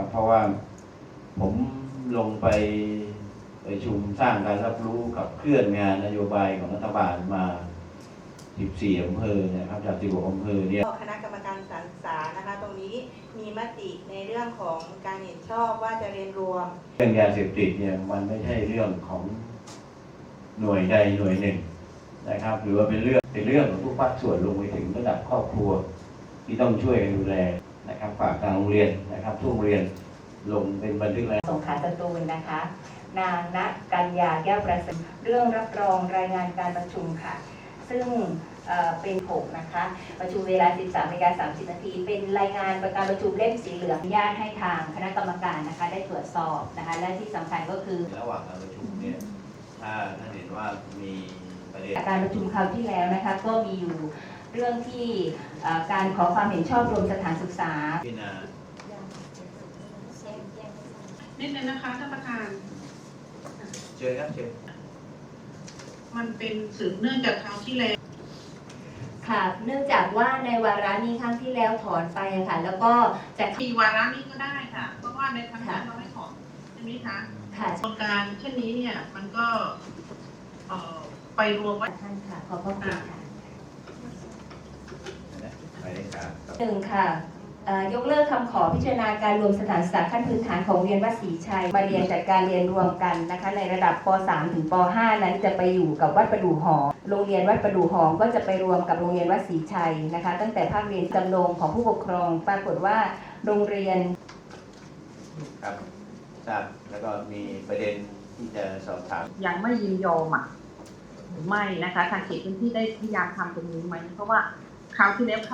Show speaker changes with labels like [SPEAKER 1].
[SPEAKER 1] เพราะว่าผมลงไปประชุมสร้างการรับรู้กับเคลื่อนงานนโยบายของรัฐบาลมา 14 อำเภอนะครับจาก 16 อำเภอเนี่ย
[SPEAKER 2] คณะกรรมการสรรสานะคะตรงนี้มีมติในเรื่องของการเห็นชอบว่าจะเรียนรวม
[SPEAKER 1] เรื่องยาเสพติดเนี่ยมันไม่ใช่เรื่องของหน่วยใดหน่วยหนึ่งนะครับหรือว่าเป็นเรื่องของทุกภาคส่วนลงไปถึงระดับครอบครัวที่ต้องช่วยกันดูแลนะครับฝากทางโรงเรียนนะครับทุกโรงเรียนลงเป็นบันทึกราย
[SPEAKER 3] สงขลาสตูลนะคะนางณกัญญาแก้วประเสริฐเรื่องรับรองรายงานการประชุมค่ะซึ่งเป็น6นะคะประชุมเวลา 13:30 นาทีเป็นรายงานการประชุมเล่มสีเหลืองอนุญาตให้ทางคณะกรรมการนะคะได้ตรวจสอบนะคะและที่สำคัญก็คือ
[SPEAKER 1] ระหว่างการประชุมเนี่ยถ้าท่านเห็นว่ามีประเด็น
[SPEAKER 3] การประชุมคราวที่แล้วนะคะก็มีอยู่เรื่องที่การขอความเห็นชอบรวมสถานศึกษา
[SPEAKER 1] พิจารณา
[SPEAKER 4] นิดนึงนะคะท่านประธาน
[SPEAKER 1] เชิญครับเชิญ
[SPEAKER 4] มันเป็นสืบเนื่องจากคราวที่แล้ว
[SPEAKER 3] ค่ะเนื่องจากว่าในวาระนี้ครั้งที่แล้วถอนไปค่ะแล้วก็จาก
[SPEAKER 4] มีวาระนี้ก็ได้ค่ะเพราะว่าในครั้งนั้นเราไม่ถอนใช่ไหมคะ
[SPEAKER 3] ค่ะ
[SPEAKER 4] โครงการเช่นนี้เนี่ยมันก็ไปรวมไว้
[SPEAKER 3] ท่านค่ะขอบพระคุณค่ะ
[SPEAKER 1] 1
[SPEAKER 3] ค่ะยกเลิกคำขอพิจารณาการรวมสถานศึกษาขั้นพื้นฐานของโรงเรียนวัดศรีชัยมาเรียนจัดการเรียนรวมกันนะคะในระดับป .3 ถึงป .5 นั้นจะไปอยู่กับวัดประดู่หอมโรงเรียนวัดประดู่หอมก็จะไปรวมกับโรงเรียนวัดศรีชัยนะคะตั้งแต่ภาคเรียนจำลองของผู้ปกครองปรากฏว่าโรงเรียน
[SPEAKER 1] ครับทราบแล้วก็มีประเด็นที่จะสอบถาม
[SPEAKER 4] ยังไม่ยินยอมหรือไม่นะคะทางเขตพื้นที่ได้พยายามทำตรงนี้ไหมเพราะว่าคราวที่แล้ว